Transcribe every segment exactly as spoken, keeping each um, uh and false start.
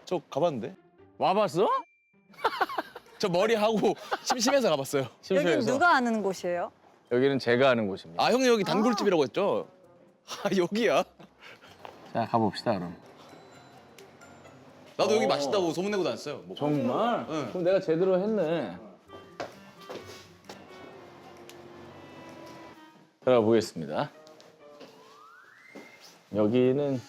저 가봤는데. 와봤어? 저 머리 하고 심심해서 가봤어요. 여기 심심해서. 누가 아는 곳이에요? 여기는 제가 아는 곳입니다. 아 형님 여기 단골집이라고 했죠? 아 여기야? 자 가봅시다 그럼. 나도 여기 어. 맛있다고 소문내고 다녔어요. 뭐. 정말? 응. 그럼 내가 제대로 했네. 들어가 보겠습니다. 여기는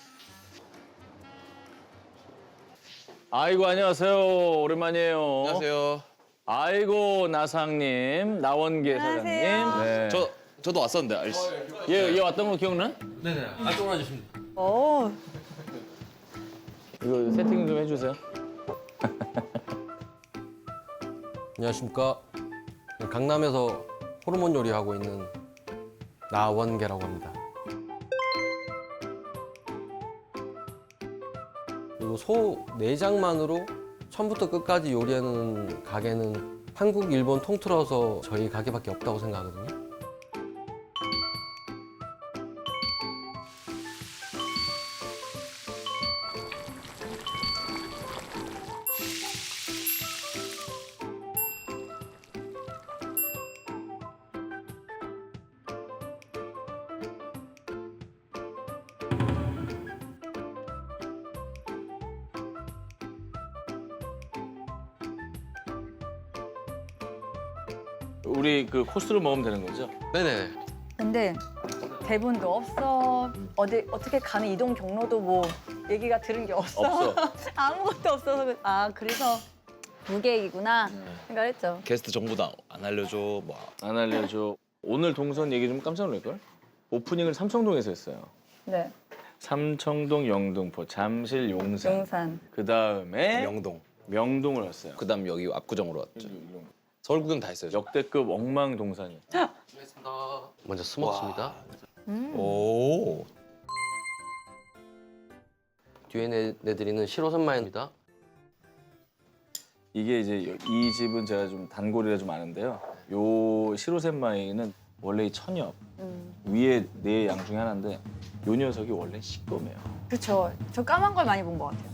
아이고 안녕하세요. 오랜만이에요. 안녕하세요. 아이고 나상님, 나원계 안녕하세요. 사장님. 네. 저 저도 왔었는데 알지? 얘, 얘 왔던 거 기억나? 네네. 안쪽으로 와주시면 돼요. 오, 이거 세팅 좀 해주세요. 안녕하십니까. 강남에서 호르몬 요리하고 있는 나원계라고 합니다. 그리고 소 내장만으로 처음부터 끝까지 요리하는 가게는 한국, 일본 통틀어서 저희 가게밖에 없다고 생각하거든요. 우리 그 코스로 먹으면 되는 거죠? 네네. 근데 대본도 없어. 어디 어떻게 가는 이동 경로도 뭐 얘기가 들은 게 없어. 없어. 아무것도 없어서 그- 아 그래서 무계획이구나 생각했죠. 게스트 정보 다 안 알려줘. 뭐. 안 알려줘. 오늘 동선 얘기 좀 깜짝 놀랄걸? 오프닝을 삼청동에서 했어요. 네, 삼청동, 영등포, 잠실, 용산. 용산. 그 다음에 명동. 명동을 왔어요. 그다음 여기 압구정으로 왔죠. 서울 구경 다 했어요. 저. 역대급 엉망동산이에요. 먼저 스모츠입니다. 음. 오. 뒤에 내, 내드리는 시로선마입니다. 이게 이제 이 집은 제가 좀 단골이라 좀 아는데요. 요 시로센마이는 원래 이 천엽 음. 위에 네 양 중에 하나인데 요 녀석이 원래 시꺼매요. 그렇죠. 저 까만 걸 많이 본 것 같아요.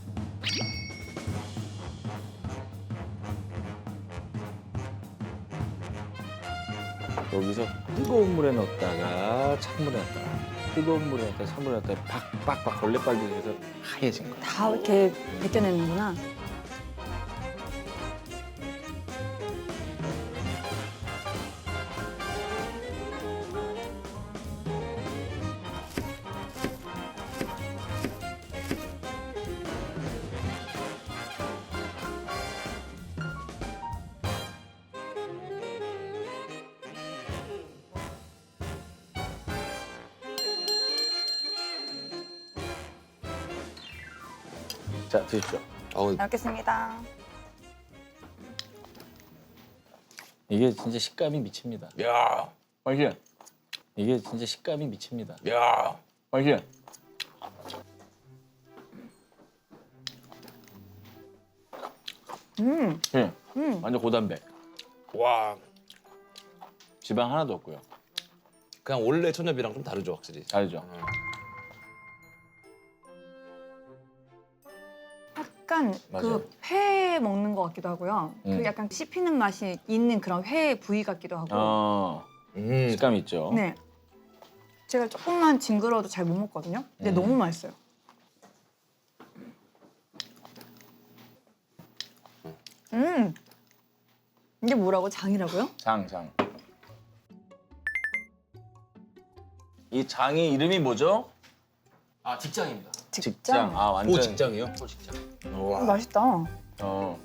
여기서 뜨거운 물에 넣었다가 찬물에 넣었다가 뜨거운 물에 넣었다가 찬물에 넣었다가 박박박 걸레빨기 해서 하얘진 거야. 다 이렇게 벗겨내는구나. 자 드십시오. 어, 잘 먹겠습니다. 이게 진짜 식감이 미칩니다. 야, 맛이야. 이게 진짜 식감이 미칩니다. 야. 맛이야. 음, 예, 음. 완전 고단백. 와. 지방 하나도 없고요. 그냥 원래 천엽이랑 좀 다르죠, 확실히. 알죠? 약간 맞아요. 그 회 먹는 것 같기도 하고요. 음. 그 약간 씹히는 맛이 있는 그런 회 부위 같기도 하고. 어, 음. 식감 있죠. 네. 제가 조금만 징그러도 잘 못 먹거든요. 근데 음. 너무 맛있어요. 음. 이게 뭐라고? 장이라고요? 장, 장. 이 장이 이름이 뭐죠? 아, 직장입니다. 직장. 아, 완전. 오 직장이요? 소 직장. 와. 음, 맛있다. 어.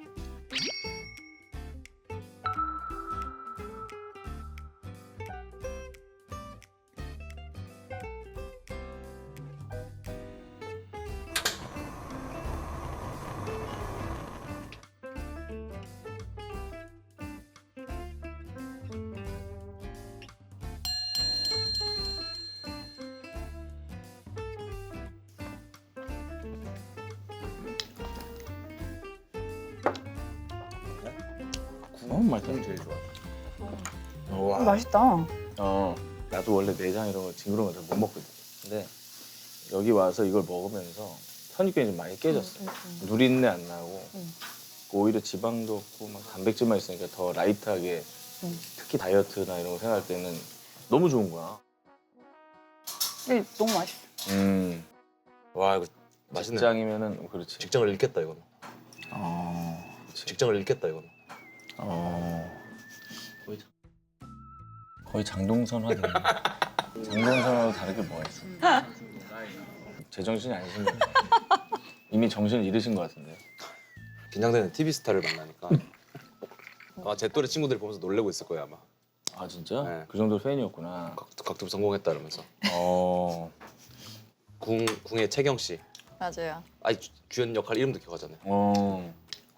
너무 맛있다. 제일 좋아. 음, 와. 맛있다. 어, 나도 원래 내장 이런 거 징그러운 거 잘 못 먹거든. 근데 여기 와서 이걸 먹으면서 선입견이 좀 많이 깨졌어요. 누린내 안 나고 음. 오히려 지방도 없고 막 단백질만 있으니까 더 라이트하게 음. 특히 다이어트나 이런 거 생각할 때는 너무 좋은 거야. 이게 너무 맛있어. 음. 와 이거 맛있네. 직장이면은 그렇지. 직장을 잃겠다 이거는. 어. 직장을 잃겠다 이거는. 어. 거의 장동선 하네. 장동선하고 다르게 뭐가 있어? 제정신이 아니신 분. 이미 정신을 잃으신 것 같은데요. 긴장되는 티비 스타를 만나니까 아마 제 또래 친구들이 보면서 놀래고 있을 거예요 아마. 아 진짜? 네. 그 정도 팬이었구나. 각, 각투 성공했다 이러면서. 어. 궁 궁의 채경 씨. 맞아요. 아니 주- 주연 역할 이름도 기억하잖아요. 어.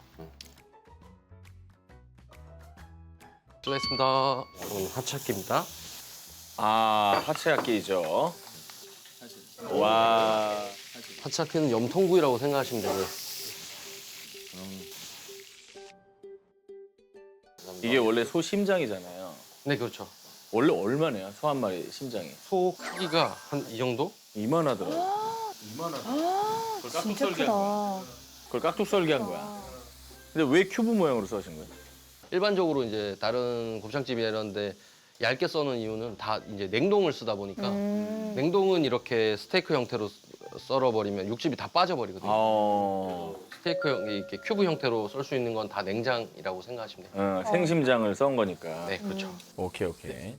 수고했습니다. 오늘 하차기입니다. 아 하체학기죠. 와. 하차기는 염통구이라고 생각하시면 되고요. 이게 원래 소 심장이잖아요. 네, 그렇죠. 원래 얼마네요? 소 한 마리 심장이? 소 크기가 한 이 정도? 이만하더라고. 이만하더라고. 그걸 진짜 깍둑썰기 한 거야. 크다. 그걸 깍둑썰기 한 거야. 근데 왜 큐브 모양으로 써신 거예요? 일반적으로 이제 다른 곱창집이나 이런 데 얇게 써는 이유는 다 이제 냉동을 쓰다 보니까 음. 냉동은 이렇게 스테이크 형태로 썰어버리면 육즙이 다 빠져버리거든요. 어. 스테이크 형, 이렇게 큐브 형태로 썰 수 있는 건 다 냉장이라고 생각하시면 돼요. 어, 생심장을 썬 거니까. 네, 그렇죠. 오케이 오케이.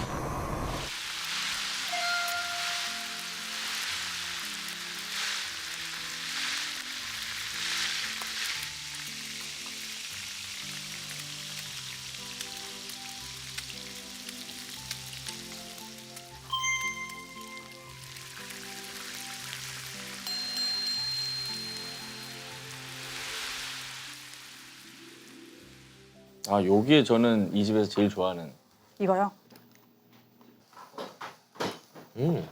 아 요게 저는 이 집에서 제일 좋아하는. 이거요? 음.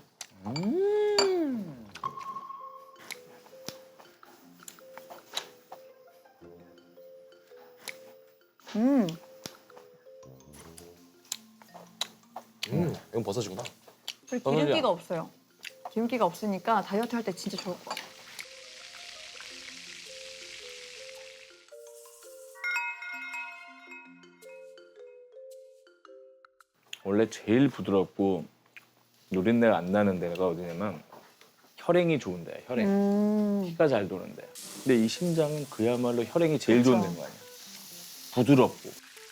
음. 음. 이건 버섯이구나. 그리고 기름기가 없어요. 기름기가 없으니까 다이어트 할 때 진짜 좋을 것 같아요. 원래 제일 부드럽고 누린내가 안 나는 데가 어디냐면 혈행이 좋은 데야. 혈행. 음. 피가 잘 도는 데. 근데 이 심장은 그야말로 혈행이 제일 좋은 그렇죠. 데인 거 아니야. 부드럽고.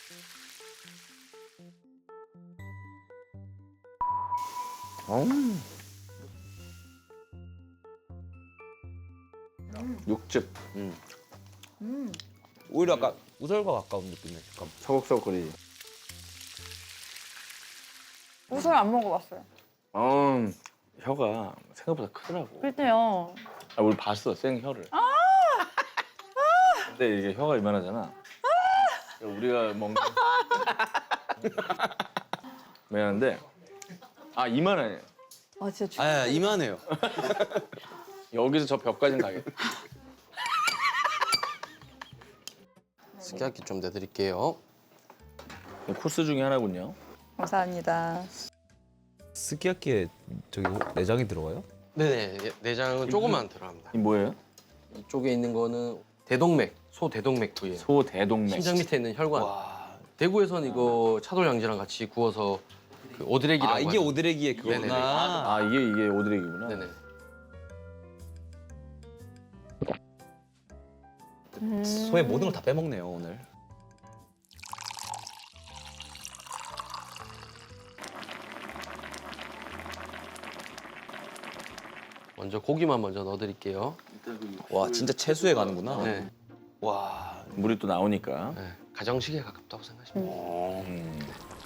음. 육즙. 음. 음. 오히려 아까 우설과 가까운 느낌이네. 약간. 서걱서걱거리지. 우설 안 먹어봤어요. 음, 혀가 생각보다 크더라고. 그때요. 아, 우리 봤어, 생 혀를. 근데 이게 혀가 이만하잖아. 우리가 먹는. 미안한데, 아, 이만해. 아 진짜 주... 아 이만해요. 여기서 저 벽까지는 가겠다. 스키야키 좀 내드릴게요. 코스 중에 하나군요. 감사합니다. 스키야키에 저기 내장이 들어가요? 네네, 내장은 조금만 들어갑니다. 이 뭐예요? 이쪽에 있는 거는 대동맥, 소 대동맥 부위예요. 소 대동맥. 심장 밑에 있는 혈관. 와. 대구에선 이거 차돌양지랑 같이 구워서 그 오드레기라고 아 이게 하는- 오드레기의 네네네. 그거구나. 아, 이게 이게 오드레기구나. 네네. 음. 소의 모든 걸 다 빼먹네요 오늘. 먼저 고기만 먼저 넣어드릴게요. 와 진짜 채수에 가는구나. 네. 와. 물이 또 나오니까. 네. 가정식에 가깝다고 생각하시면 돼요. 어. 음.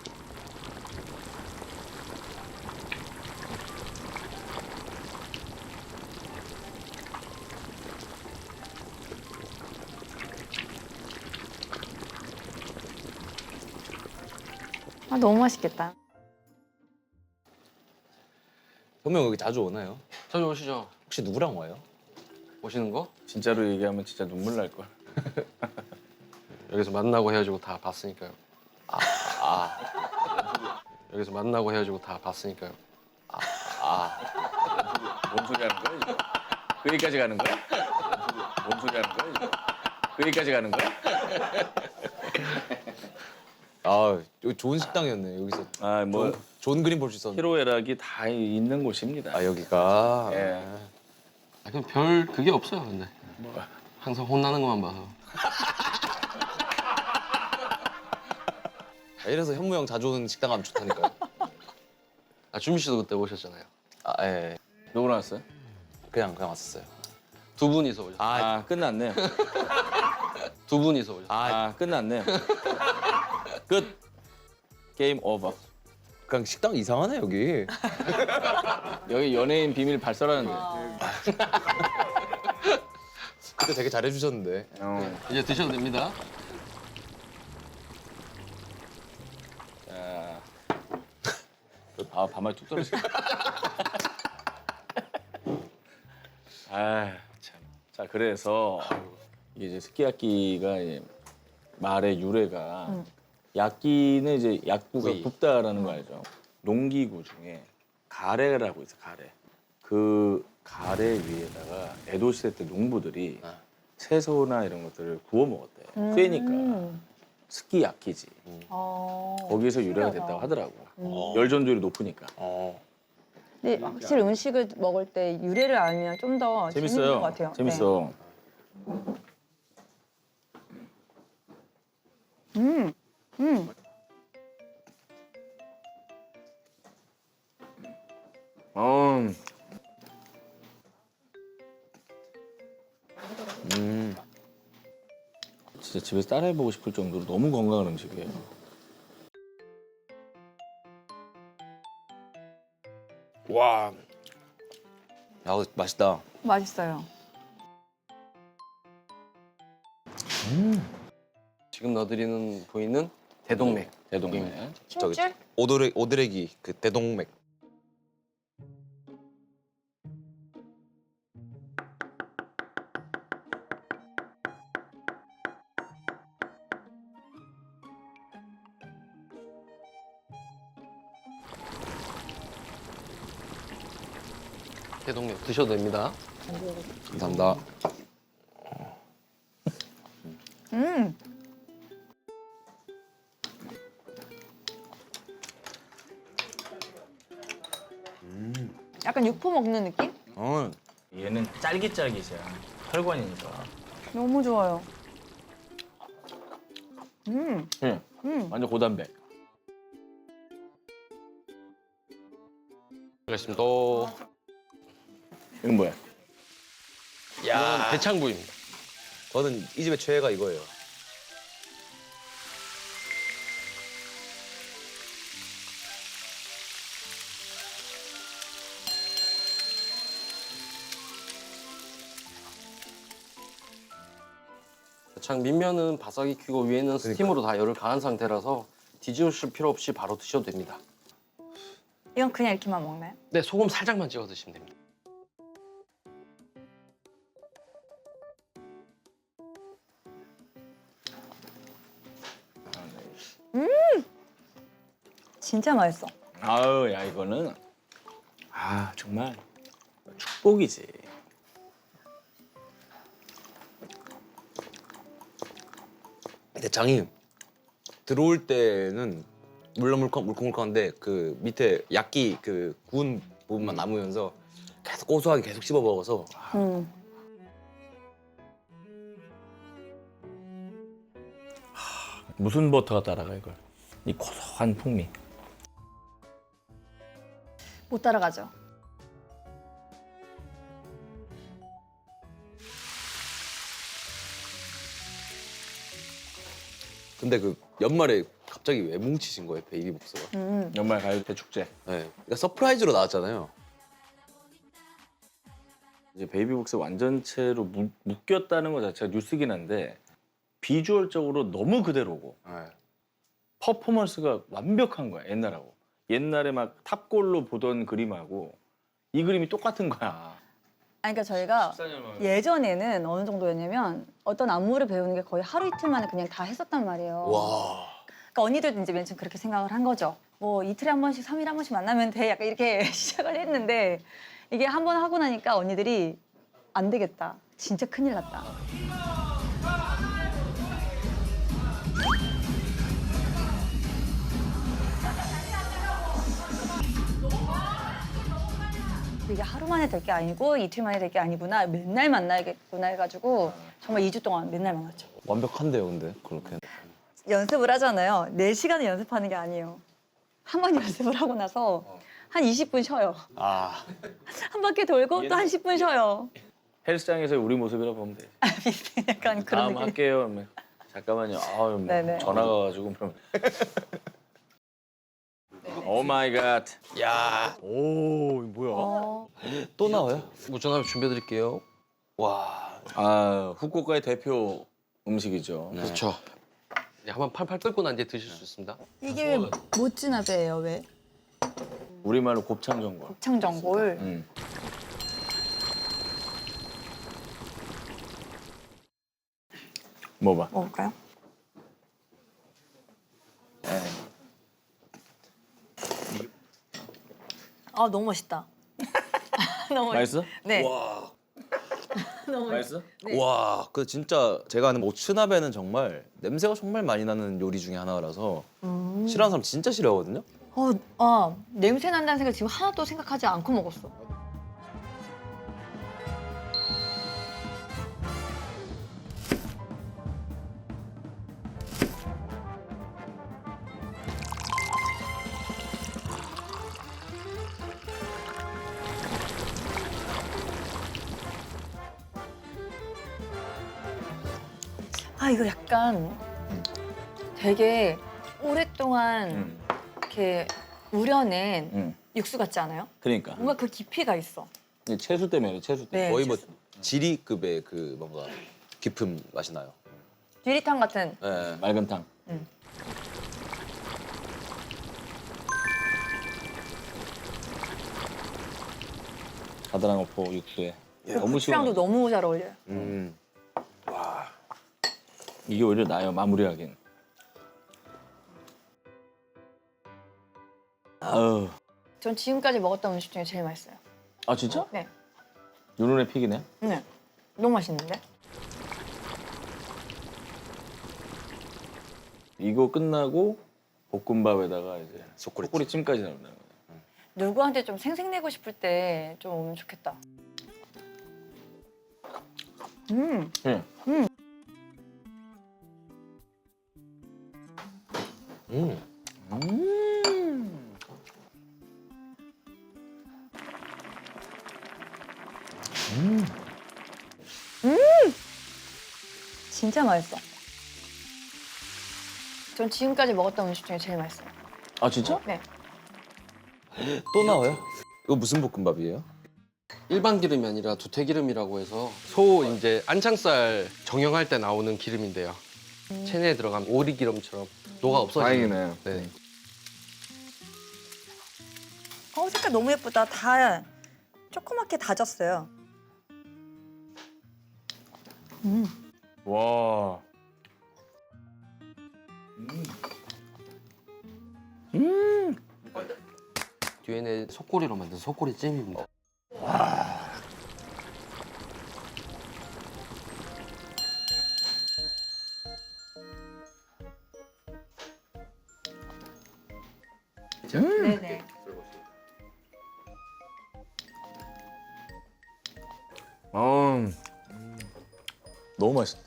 아 너무 맛있겠다. 현명 여기 자주 오나요? 자주 오시죠. 혹시 누구랑 와요? 오시는 거? 진짜로 얘기하면 진짜 눈물 날 걸. 여기서 만나고 헤어지고 다 봤으니까요. 아, 아, 여기서 만나고 헤어지고 다 봤으니까요. 뭔 소리 하는 거야, 지금? 그 얘기까지 가는 거야? 뭔 소리 하는 거야? 이거? 그 얘기까지 가는 거야? 아 여기 좋은 식당이었네. 여기서 아, 뭐 좋은, 좋은 그림 볼 수 있었는데. 희로애락이 다 있는 곳입니다. 아 여기가. 예. 아, 그냥 별 그게 없어요, 근데. 항상 혼나는 것만 봐서. 아, 이래서 현무 형 자주 오는 식당 가면 좋다니까요. 아, 준비 씨도 그때 오셨잖아요. 아 예. 누구 나왔어요? 그냥 그냥 왔었어요. 두 분이서 오셨어요. 아, 아, 끝났네. 두 분이서 오셨어요. 아 아, 끝났네. 끝. 게임 오버. 그냥 식당 이상하네 여기. 여기 연예인 비밀 발설하는데. 그때 되게 잘해주셨는데. 어. 이제 드셔도 됩니다. 자. 아, 반말 뚝 떨어지네. 아, 참. 자, 그래서 이게 이제 스키야키가 이제 말의 유래가 음. 야끼는 이제 약구가 구이. 굽다라는 거 알죠? 농기구 중에 가래라고 있어, 가래. 그 가래 위에다가 에도 시대 때 농부들이 아. 채소나 이런 것들을 구워 먹었대. 음. 쇠니까 스키야키지. 어. 거기에서 유래가 신기하다. 됐다고 하더라고. 어. 열 전도율이 높으니까. 어. 근데 확실히 음식을 먹을 때 유래를 알면 좀 더 재밌는 재밌어요. 것 같아요. 재밌어. 네. 음, 음. 어, 음. 진짜 집에서 따라해보고 싶을 정도로 너무 건강한 음식이에요. 와. 야 맛있다. 맛있어요. 지금 넣어드리는 부위는 대동맥. 대동맥. 저기 힘줄? 오드레 오드레기 그 대동맥. 대동맥 드셔도 됩니다. 감사합니다. 음. 약간 육포 먹는 느낌? 어. 얘는 짤깃짤깃이야. 혈관이니까. 너무 좋아요. 음, 응. 음. 완전 고단백. 알겠습니다. 이건 뭐야? 이거는 대창부입니다. 저는 이 집의 최애가 이거예요. 대창 밑면은 바싹 익히고 위에는 스팀으로 다 열을 가한 상태라서 뒤집으실 필요 없이 바로 드셔도 됩니다. 이건 그냥 이렇게만 먹나요? 네, 소금 살짝만 찍어 드시면 됩니다. 진짜 맛있어. 아우, 야, 이거는. 아, 정말 축복이지. 대창이 들어올 때는 물렁 물컹 물컹물컹한데 그 밑에 약기 그 구운 부분만 남으면서 계속 고소하게 계속 씹어 먹어서 음. 무슨 버터가 따라가, 이걸? 이 고소한 풍미. 못 따라가죠. 근데 그 연말에 갑자기 왜 뭉치신 거예요 베이비복스가? 음. 연말 가요 대축제. 네, 그러니까 서프라이즈로 나왔잖아요. 이제 베이비복스 완전체로 무, 묶였다는 것 자체가 뉴스긴 한데 비주얼적으로 너무 그대로고 네. 퍼포먼스가 완벽한 거야, 옛날하고. 옛날에 막 탑골로 보던 그림하고 이 그림이 똑같은 거야. 아니, 그러니까 저희가 예전에는 어느 정도였냐면 어떤 안무를 배우는 게 거의 하루 이틀 만에 그냥 다 했었단 말이에요. 와. 그러니까 언니들도 이제 맨 처음 그렇게 생각을 한 거죠. 뭐 이틀에 한 번씩, 삼 일에 한 번씩 만나면 돼. 약간 이렇게 시작을 했는데 이게 한 번 하고 나니까 언니들이 안 되겠다. 진짜 큰일 났다. 이게 하루 만에 될 게 아니고 이틀 만에 될 게 아니구나. 맨날 만나야겠구나 해가지고 정말 이 주 동안 맨날 만났죠. 완벽한데요, 근데 그렇게. 연습을 하잖아요. 네 시간을 연습하는 게 아니에요. 한 번 연습을 하고 나서 한 이십 분 쉬어요. 아, 한 바퀴 돌고 또 한 십 분 쉬어요. 헬스장에서 우리 모습이라 보면 돼. 비슷해. 약간 그런 다음 느낌. 할게요. 그러면 잠깐만요. 아유, 뭐 네네. 전화가 와가지고 그럼. 오 마이 갓. 야, 오, 이거 뭐야? 어, 또 나와요? 무전함 준비해 드릴게요. 와, 아, 후쿠오카의 대표 음식이죠. 네. 그렇죠. 네, 한번 팔팔 끓고 난 뒤에 드실 수 있습니다. 이게 왜 모찌나베예요? 왜? 우리말로 곱창전골. 곱창전골. 음. 먹어봐. 먹을까요? 아 너무 맛있다. 너무 맛있어? 네. 와, 너무 맛있어? 네. 와, 그 진짜 제가 아는 모츠나베는 정말 냄새가 정말 많이 나는 요리 중에 하나라서 음. 싫어하는 사람 진짜 싫어하거든요. 어, 아 냄새 난다는 생각 지금 하나도 생각하지 않고 먹었어. 아 이거 약간 되게 오랫동안 음. 이렇게 우려낸 음. 육수 같지 않아요? 그러니까. 뭔가 그 깊이가 있어. 이게 채수 때문에 채수 때문에. 네. 거의 뭐 지리급의 그 뭔가 깊은 맛이 나요. 유리탕 같은. 네. 맑은 탕. 음. 가드랑어포 육수에. 너무 고추장도 시원해. 너무 잘 어울려요. 음. 이게 오히려 나요 마무리하긴. 아우. 전 지금까지 먹었던 음식 중에 제일 맛있어요. 아 진짜? 네. 눈에 픽이네. 네. 너무 맛있는데? 이거 끝나고 볶음밥에다가 이제 소꼬리 소꼬리 찜까지 나온다는 거야. 누구한테 좀 생색내고 싶을 때 좀 오면 좋겠다. 음. 응. 음. 음. 진짜 맛있어. 전 지금까지 먹었던 음식 중에 제일 맛있어요. 아 진짜? 네. 또 나와요? 이거 무슨 볶음밥이에요? 일반 기름이 아니라 두태기름이라고 해서 소 이제 안창살 정형할 때 나오는 기름인데요. 체내에 들어가면 오리 기름처럼 녹아 없어지는. 다행이네. 네. 어 색깔 너무 예쁘다. 다 조그맣게 다졌어요. 음. 와. 뒤에는 속꼬리로 만든 속꼬리 찜입니다. 네네. 어. 너무 맛있다.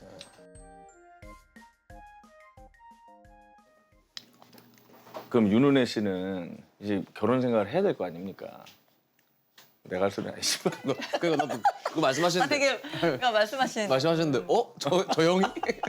그럼 윤은혜 씨는 이제 결혼 생활을 해야 될 거 아닙니까? 내가 할 소리 아니지만. 그러니까 나도 그거 아 말씀하시는데 되게 그러니까 말씀하신 말씀하셨는데 어? 저, 저 형이?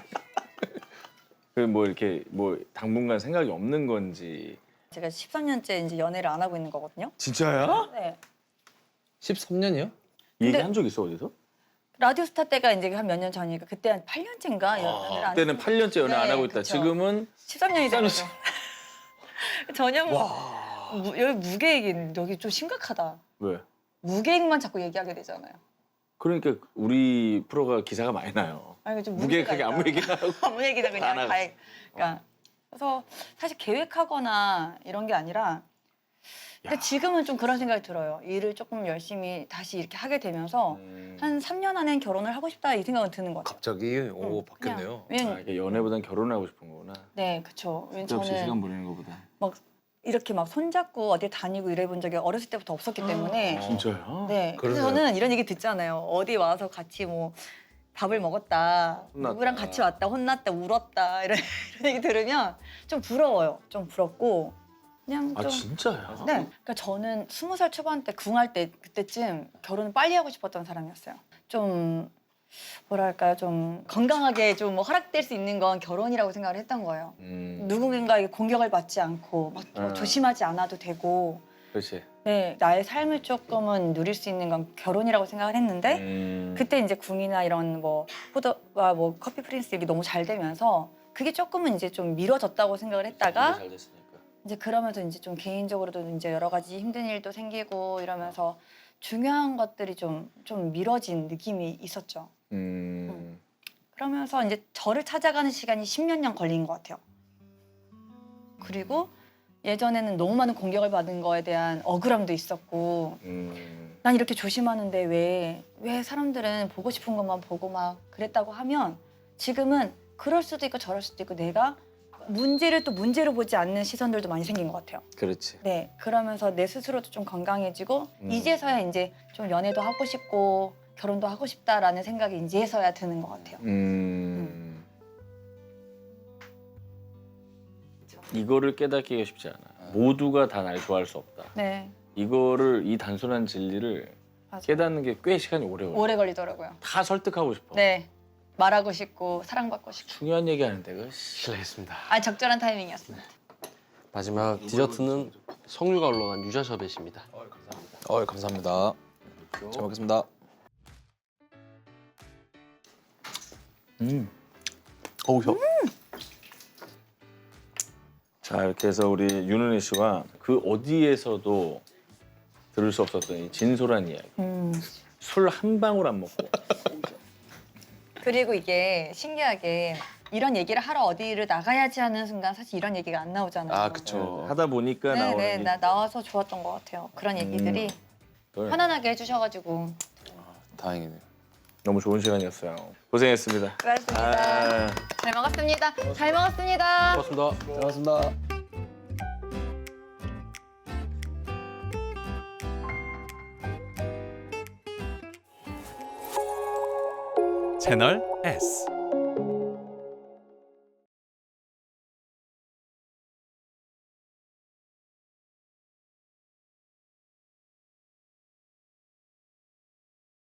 그 뭐 이렇게 뭐 당분간 생각이 없는 건지. 제가 십삼 년째 이제 연애를 안 하고 있는 거거든요. 진짜야? 네. 십삼 년이요? 이 얘기 근데- 한 적 있어 어디서? 라디오스타 때가 이제 한 몇 년 전이니까 그때 한 팔 년째인가 연애를 안 그때는 팔 년째 연애 안 네, 하고 있다. 그쵸. 지금은 십삼 년이 십삼 되죠. 전혀 무, 여기 무계획인 여기 좀 심각하다. 왜? 무계획만 자꾸 얘기하게 되잖아요. 그러니까 우리 프로가 기사가 많이 나요. 아니 좀 무계획하게 아무 얘기나 하고. 아무 얘기나 그냥 안 하고. 다. 해. 그러니까 그래서 사실 계획하거나 이런 게 아니라 근데 지금은 좀 그런 생각이 들어요. 일을 조금 열심히 다시 이렇게 하게 되면서 음. 한 삼 년 안엔 결혼을 하고 싶다 이 생각은 드는 것 같아요. 갑자기 오 응, 바뀌었네요. 그냥, 아, 왜냐면 이게 연애보단 결혼을 하고 싶은 거구나. 네, 그렇죠. 왜냐면 없이 시간 저는 보내는 거보다. 막 이렇게 막 손잡고 어디 다니고 이래본 적이 어렸을 때부터 없었기 때문에 진짜요? 네. 그래서 그러네요. 저는 이런 얘기 듣잖아요. 어디 와서 같이 뭐 밥을 먹었다, 혼났다. 누구랑 같이 왔다, 혼났다, 울었다 이런, 이런 얘기 들으면 좀 부러워요. 좀 부럽고 그냥 아 좀. 진짜야? 네. 그러니까 저는 스무 살 초반 때 궁할 때 그때쯤 결혼을 빨리 하고 싶었던 사람이었어요. 좀 뭐랄까요, 좀 건강하게 좀 뭐 허락될 수 있는 건 결혼이라고 생각을 했던 거예요. 음. 누군가에게 공격을 받지 않고 막 뭐 아. 조심하지 않아도 되고. 그렇지. 네, 나의 삶을 조금은 누릴 수 있는 건 결혼이라고 생각을 했는데 음. 그때 이제 궁이나 이런 뭐 포도와 뭐 커피 프린스 이게 너무 잘 되면서 그게 조금은 이제 좀 미뤄졌다고 생각을 했다가 잘 됐으니까. 이제 그러면서 이제 좀 개인적으로도 이제 여러 가지 힘든 일도 생기고 이러면서 중요한 것들이 좀 좀 미뤄진 느낌이 있었죠. 음. 그러면서 이제 저를 찾아가는 시간이 십몇 년 걸린 것 같아요. 그리고 예전에는 너무 많은 공격을 받은 거에 대한 억울함도 있었고 음. 난 이렇게 조심하는데 왜, 왜 사람들은 보고 싶은 것만 보고 막 그랬다고 하면 지금은 그럴 수도 있고 저럴 수도 있고 내가 문제를 또 문제로 보지 않는 시선들도 많이 생긴 것 같아요. 그렇지. 네, 그러면서 내 스스로도 좀 건강해지고 음. 이제서야 이제 좀 연애도 하고 싶고 결혼도 하고 싶다라는 생각이 이제서야 드는 것 같아요. 음. 이거를 깨닫기가 쉽지 않아. 모두가 다 날 좋아할 수 없다. 네, 이거를 이 단순한 진리를 맞아요. 깨닫는 게 꽤 시간이 오래 걸려. 오래 걸리더라고요. 다 설득하고 싶어. 네, 말하고 싶고 사랑받고 싶고. 중요한 얘기 하는데 그 실례했습니다. 아, 적절한 타이밍이었습니다. 마지막 디저트는 석류가 올라간 유자 셔벳입니다. 어 감사합니다. 잘 먹겠습니다. 음. 어우 혀. 자 이렇게 해서 우리 윤은혜 씨와 그 어디에서도 들을 수 없었던 이 진솔한 이야기. 음. 술 한 방울 안 먹고. 그리고 이게 신기하게 이런 얘기를 하러 어디를 나가야지 하는 순간 사실 이런 얘기가 안 나오잖아요. 아 그쵸. 하다 보니까 네, 나오는 네, 이- 나 나와서 좋았던 것 같아요. 그런 얘기들이 그걸 편안하게 해주셔가지고 다행이네요. 너무 좋은 시간이었어요. 고생했습니다. 수고하셨습니다. 아. 잘 먹었습니다. 잘 먹었습니다. 고맙습니다. 고맙습니다. 채널 S.